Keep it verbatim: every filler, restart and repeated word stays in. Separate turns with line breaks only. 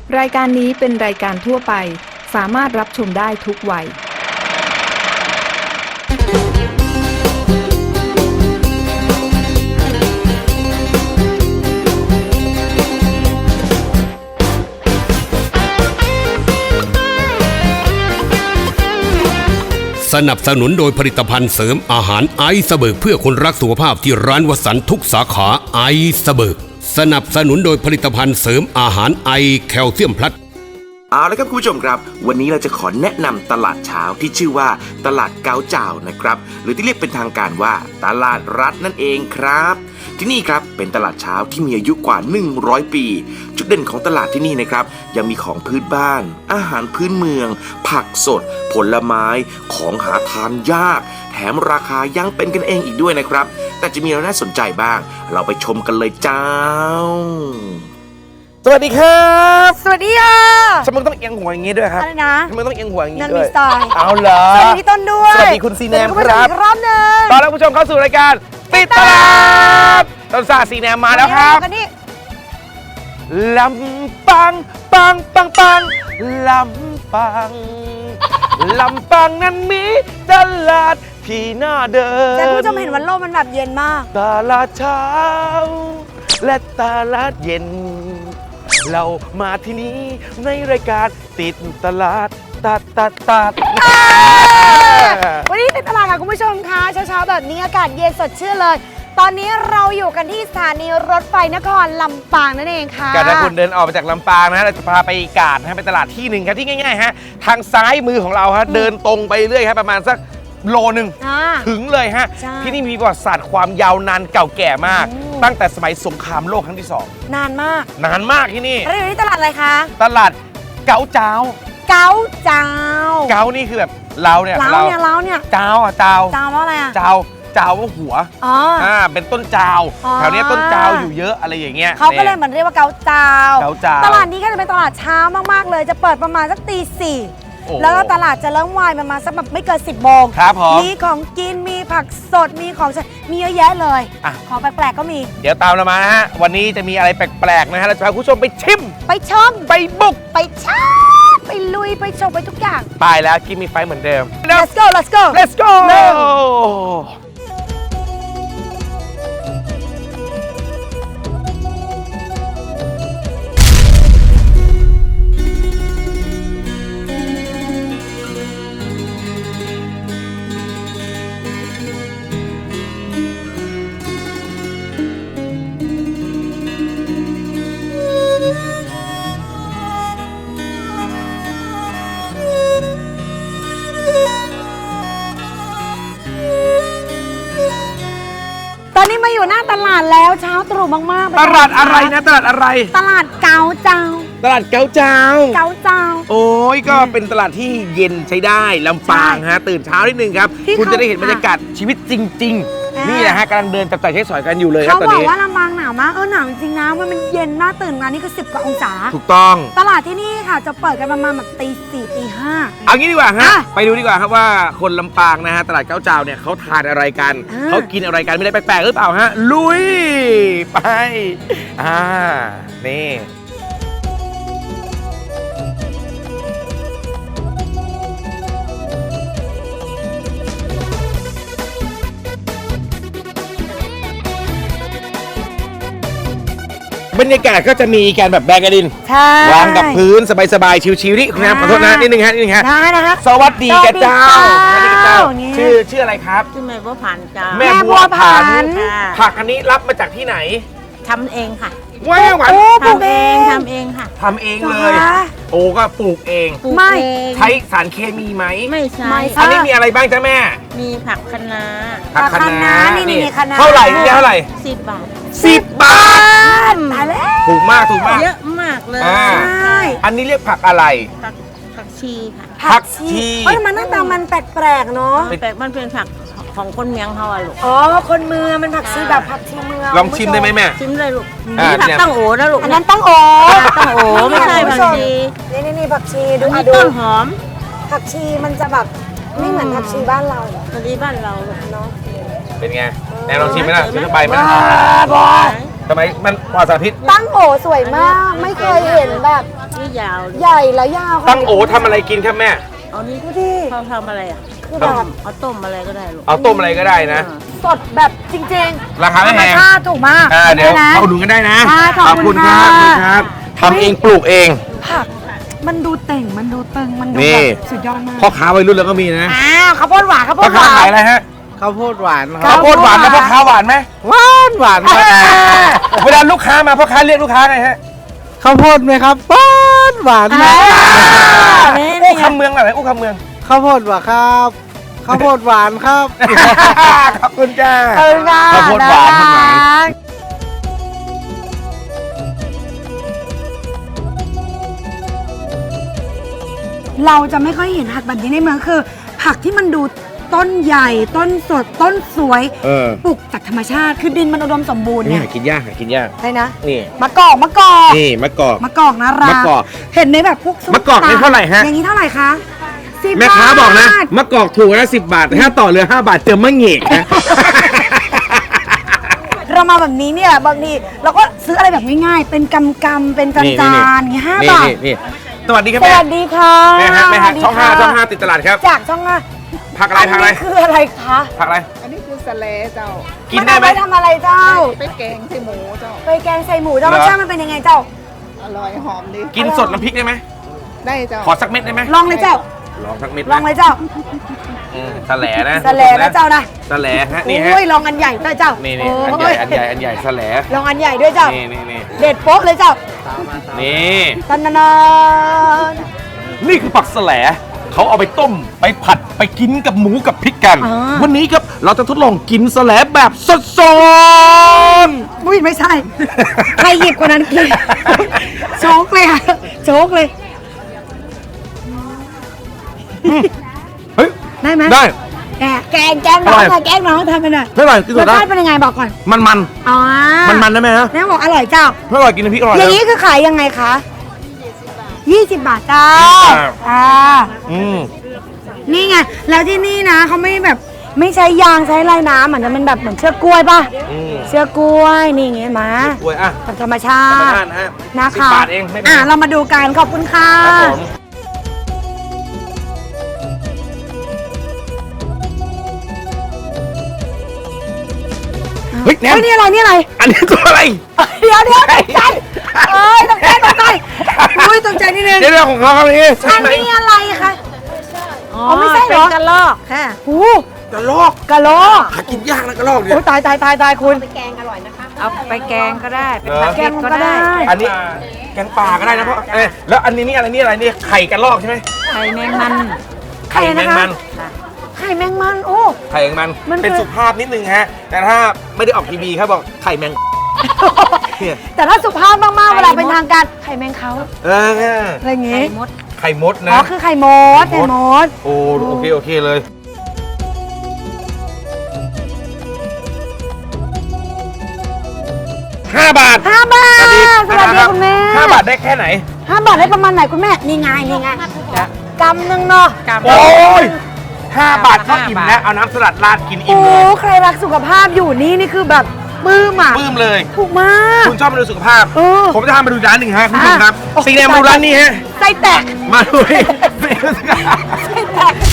รายการนี้เป็นรายการทั่วไปสามารถรับชมได้ทุกวัย
สนับสนุนโดยผลิตภัณฑ์เสริมอาหารไอซ์เบิร์กเพื่อคนรักสุขภาพที่ร้านวสันต์ทุกสาขาไอซ์เบิร์กสนับสนุนโดยผลิตภัณฑ์เสริมอาหารไอแคลเซียมพลัส
เอาละครับคุณผู้ชมครับวันนี้เราจะขอแนะนำตลาดเช้าที่ชื่อว่าตลาดเกาเจ้านะครับหรือที่เรียกเป็นทางการว่าตลาดรัฐนั่นเองครับที่นี่ครับเป็นตลาดเช้าที่มีอายุกว่าหนึ่งร้อยปีจุดเด่นของตลาดที่นี่นะครับยังมีของพื้นบ้านอาหารพื้นเมืองผักสดผลไม้ของหาทานยากแถมราคายังเป็นกันเองอีกด้วยนะครับแต่จะมีอะไรน่าสนใจบ้างเราไปชมกันเลยเจ้าสวัสดีครับ
สวัสดีค่ะ
ทำไมต้องเอียงหัวอย่างนี้ด้วยครับ
อะไรนะ
ทำไมต้องเอียงหัวอย่างนี้ด้วย
นั่นมีสไตล์
เอาเหรอ
สวัสดีต้นด้วย
สวัสดีคุณซีแนมครับ
รอบหนึ่ง
ตอนรับผู้ชมเข้าสู่รายการติดตลาดต้นซาซีแนมมาแล้วครับลำปังปังปังปังลำปังลำปังนั้นมีตลาดที่น่าเดิน
แต่คุณผู้ชมเห็นวันโลกมันแบบเย็นมาก
ตลาดเช้าและตลาดเย็นเรามาที่นี้ในรายการติดตลาดตัดตัดตัด
วันนี้ติดตลาดค่ะคุณผู้ชมคะเช้าๆแบบนี้อากาศเย็นสดชื่นเลยตอนนี้เราอยู่กันที่สถานีรถไฟนครลำปางนั่นเองค่ะ
การถ้าคุณเดินออกมาจากลำปางนะเราจะพาไปกาดนะไปตลาดที่หนึ่งครับที่ง่ายๆฮะทางซ้ายมือของเราฮะเดินตรงไปเรื่อยครับประมาณสักโลหนึ่งถึงเลยฮะที่นี่มีประวัติศาสตร์ความยาวนานเก่าแก่มากตั้งแต่สมัยสงครามโลกครั้งที่สอง
นานมาก
นานมากที่นี่
เราอยู่ที่ตลาดอะไรคะ
ตลาดเกาเจ้า
เกาเจ้า
เกานี่คือแบบเราเนี่ย
เราเนี่ยเราเนี่ย
เจ้าอ่ะเจ้า
เจ้าว่าอะไรอ่ะ
เจ้าเจ้าว่าหัวอ๋ออ่าเป็นต้นเจ้าแถวนี้ต้นเจ้าอยู่เยอะอะไรอย่างเงี้ย
เขาก็เลยเหมือนเรียกว่าเกาเจ้า
เกาเจ้า
ตลาดนี้ก็จะเป็นตลาดเช้ามากๆเลยจะเปิดประมาณสักตีสี่แล้วก็ตลาดจะเริ่มวายประมาณสักแบบไม่เกินสิบโมง
ครับผม
มีของกินมีผักสดมีของมีเยอะแยะเลยของแปลกๆก็มี
เดี๋ยวตามเรามานะฮะวันนี้จะมีอะไรแปลกๆนะฮะเราจะพาคุณผู้ชมไปชิม
ไปชม
ไปบุก
ไปช้าไปลุยไปชมไปทุกอย่าง
ไปแล้วกินมีไฟเหมือนเดิม
let's go let's go
let's go
ตอนนี้มาอยู่หน้าตลาดแล้วเช้าตรู่มาก
ๆตลาดอะไรนะตลาดอะไร
ตลาดเกาเจ้า
ตลาดเกาเจ้า
เกาเจ้า
โอ้ยก็เป็นตลาดที่เย็นใช้ได้ลำปางฮะตื่นเช้านิดนึงครับคุณจะได้เห็นบรรยากาศชีวิตจริงๆนี่แหละฮะกำลังเดินจับจ่ายใช้สอยกันอยู่เลยครับตอนนี้
เขาบอกว่าลำปางหนาวมากเออหนาวจริงนะมันมันเย็นมากตื่นมานี่คือสิบกว่าองศา
ถูกต้อง
ตลาดที่นี่ค่ะจะเปิดกันประมาณแบบตีสี่ตีห้า
เอางี้ดีกว่าฮะไปดูดีกว่าครับว่าคนลำปางนะฮะตลาดเกาเจ้าเนี่ยเขาทานอะไรกันเขากินอะไรกันไม่ได้แปลกๆหรือเปล่าฮะลุยไปอ่านี่บรรยากาศก็จะมีการแบบแบกกระดินวางกับพื้นสบายๆชิวๆนี่คุณครับขอโทษนะนิดนึงฮะนิดนึงฮะ
ได้นะฮะ
สวัสดีแกเจ้าสวัสดีแกเจ้าชื่อชื่ออะไรครับ
ชื่อแม่บัวผันจ้า
แม่บัวผันผักอันนี้รับมาจากที่ไหน
ทำเองค่ะ
ว้าวหวาน
ปลูกเอง
ทำเองค่ะ
ทำเองเลยโอ้ก็ปลูกเอง
ไม่
ใช้สารเคมีไหม
ไม่ใช่
อันนี้มีอะไรบ้างจ้าแม่
มีผักคะน้า
ผักคะน้า
นี่นี่คะน้า
เท่าไหร่เท่าไหร่
สิบบาท
สิบบาท
ตายแล้ว
ถูกมากถูกมาก
เยอะมากเลย
ใช่
อันนี้เรียกผักอะไร
ผักผักชีค่ะ
ผักชี
เฮ้ยมันหน้าตามันแปลกๆเนาะ
แปลกมันเป็นผักของคนเมืองเขาอะลูก
อ๋อคนเมืองมันผักชีแบบผักชีเมือง
ลองชิมได้ไหมแม่
ชิมเลยลูกนี่ผักตั้งโอนะลูก
อันนั้นตั้งโอ
ตั้งโอไม่ใช่ผักชี
นี่นี่นี่ผักชีดู
อันนี้ต้นหอม
ผักชีมันจะแบบไม่เหมือนผักชีบ้านเรา
ผักชีบ้านเรา
เนาะ
เป็นไงแม่ลองชิมไหมล่ะชิมเข้าไปไหม
บอ
ทำไมมันปลอดสารพิษ
ตั้งโอสวยมาก ไม่เคยเห็นแบบ
นี่ยาว
ใหญ่แล้วยาว
ตั้งโอทำอะไรกินครับแม่
เอานี่
ดูดิ
เขาทำอะไรอ่ะ
คือแบบ
เอาต้มอะไรก็ได้ลูก
เอาต้มอะไรก็ได้นะ
สดแบบจริงๆ
ราคาไม่แพง
ธรรมชาติถูกมาก
อ่าเดี๋ยว
นะ
เอาดูกันได้นะ
ค่ะขอบคุณ
ครั
ค่ะ
ขอบคุณครับทำเองปลูกเอง
ผักมันดูเต่งมันดูตึงมันดู
นี่
แบบสุดยอดมาก
พ่อค้าวัยรุ่นแล้วก็มีนะ
อ้าวข้าวโพดหวานข้าวโพ
พ่อ
ดห
ค้าว
า
ขาย
น
อะไรฮะ
ข้าวโพดหวานค
ข้า
รั
ว
บ
โพดหวานแล้วพ่อค้าหวานไหม
หวานหวานครับ
เวลาลูกค้ามาพ่อค้าเรียกลูกค้าไงฮะ
ข้าวโพดไหมครับหวานหวานไหม
อู้คำเมืองอะไรอู้คำเมือง
ข้าวโพดหวานครับข้าวโพดหวานครับ
ขอบคุณจ้า
เออค่ะ
ข้าวโพดหวาน
น่
ข้าวโพดหวาน
รักเราจะไม่ค่อยเห็นผักแบบนี้ในเมืองคือ ผักที่มันดูต้นใหญ่ต้นสดต้นสวย
เออ
ปลูกจากธรรมชาติคือดินมันอุดมสมบูรณ์
นี่
เนี่ย
หากินยากหากินยาก
ใช่นะ
นี่
มะกอกมะกอก
นี่มะกอก
มะกอกนะรัก
มะกอก
เห็นในแบบพวกซุป
มะกอกนี่เท่าไหร่ฮะ
อย่างนี้เท่าไหร่คะสิบ
แม่ค้าบอกนะ
บาท
มะกอกถูกนะสิบบาทแต่ถ้าต่อเรือห้าบาทเจอมะเหงกนะ
เรามาแบบนี้เนี่ยบางทีเราก็ซื้ออะไรแบบง่ายๆเป็นกำกำๆเป็นจานจานอย่างเงี้ยห้าบาท
นี่นี่สวัสดีครับ
ส
แม่
วัสดีค่ะ
แม่ฮะแม่ฮะ
สวัสดี
ช่องห้า
ค่ะ
ช่องห้าติดตลาดครับ
จากช่องห้า
ผักอะไรผักอะไร
นนี้คืออะไรคะ
ผักอะไร
อันนี้คือสะเลเจ้า
กินได้ไหม
นเอาปทำอะไรเจ้า
ไปแกงใส่หมูเจ้า
ไปแกงใส่หมูเจ้า
เหร
ร
อ
สชาติมันเป็นยังไงเจ้า
อร่อยหอมดี
กินสดน้ำพริกได้ไหม
ได้เจ้า
ขอสักเม็ดได้ไหม
ลองเลยเจ้า
ลองสักเม็ด
ลองเลยเจ้า
อืมสะแหลนะ
สะแลนะเจ้านะ
สะแหลฮะนี่ฮะ
โอ้ยลองอันใหญ่ด้วยเจ้า
นี่
นี่
นี่อันใหญ่อันใหญ่อันใหญ่สะแหล
ลองอันใหญ่ด้วยเจ้า
นี่นี่นี่
เด็ดโป๊ะเลยเจ้า
นี่
ตันนาน
นี่คือผักสะแหลเขาเอาไปต้มไปผัดไปกินกับหมูกับพริกกัน วันนี้ครับเราจะทดลองกินสะแหลแบบสดๆ
อุ้ยไม่ใช่ ใครหยิบกว่านั้นกินโชกเลยค่ะโชกเลย
เฮ้ย
ได้ไหม
ได้
แกงแกงแกงน้อง
อร่
ค่ะ
อย
แกงน้องทำไปหน่อย
เท่าไหร่กิน
ร
ส
ส
ดได้
ชาติเป็นยังไงบอกก่อน
มันมัน
อ๋อ
มันมันได้ไหมฮะ
แม่บอกอร่อยเจ้า
ถ้าอร่อยกินน้ำพริกอร่อย
อย่าง
นะ
นี้คือขายยังไงคะยี่สิบบาทเจ้า
ยี่สิบบาท
อ่า
อืม
นี่ไง แล้วที่นี่นะเขาไม่แบบไม่ใช้ยางใช้ลายน้ำเหมือนจะเป็นแบบเหมือนเชือกกล้วยป่ะ
อืม
เชือกกล้วยนี่ไงมา
อวยอ่ะ
แบบธรรมชา
ธรรม
ติ
ชาตินะฮะ
นะ
สิบ
คะ
บาทเองไม่แพ
อ่าง เรามาดูกันขอบคุณค่ะ
ครับผมเฮ้ยแนม
เฮ้ยนี่อะไรนี่อะไร
อันนี้ตัวอะไร
เดี๋ยวเดี๋ยวตกใจเอ้ยตกใจตกใจอุ้ยตกใจนิดนึง
เรื่องของเขาครับนี่
อันนี้อะไรคะ
อ๋อ
อ๋อไม่ใช่เหรอ
เป็นกระลอกค่ะ
หู
กระลอก
กะโหลก
หากินยากนะกระลอกเนี่ย
โอ้ยตายตายตายตายคุณ
เอาไปแกงก็ได้เป็น
เหรอ
ผัด
แก
เผ็
ง
ด
ก็
ก็
ได้
ได้
อันนี้แกงป่าก็ได้นะเพราะเอ้ยแล้วอันนี้นี่อะไรนี่อะไรนี่ไข่กระลอกใช่ไหม
ไข่แมงมัน
ไข่นะคะ
แมงมัน
ไข่แมงมันโอ้
ไข่แมงมัน
มันคือ
เป็นสุภาพนิดนึงฮะ แต่ถ้าไม่ได้ออกทีวีครับบอกไข่แมง เนี่ย
แต่ถ้าสุภาพมากๆเวลาเป็นทางการไข่แมงเขา
เออ
อะไรอย่าง
ไข่
งี้
มด
ไข่มด
อ๋
นะ
อคือไข่มด
ไข่
ไข่
ม
ม
ด
ด
โอ้โอเคโอเคเลยห้าบาท
ห้าบาท สวัสดี
รับ
คุณแม่
ห้าบาทได้แค่ไหน
ห้าบาทได้ประมาณไหนคุณแม่ นี่ไงนี่ไงกำหนึ่งเนาะ
กับ
โอ้ยห้าบาทก็
ห้า
อิ่ม
บาท
แล้วเอาน้ำสลัดราดกินอิ่
โอ้
มเลย
ใครรักสุขภาพอยู่นี่นี่คือแบบปลื้มอ่ะ
ปลื้มเลย
ถูกมาก
คุณชอบมาดูสุขภาพ
เออ
ผมจะพามาดูร้านหนึ่งฮะคุณผู้ชมครับ
อ่ะ
สีแดงมาดูร้านนี้ฮะ
ไส้แตก
มาดูดิ
ไส้แตก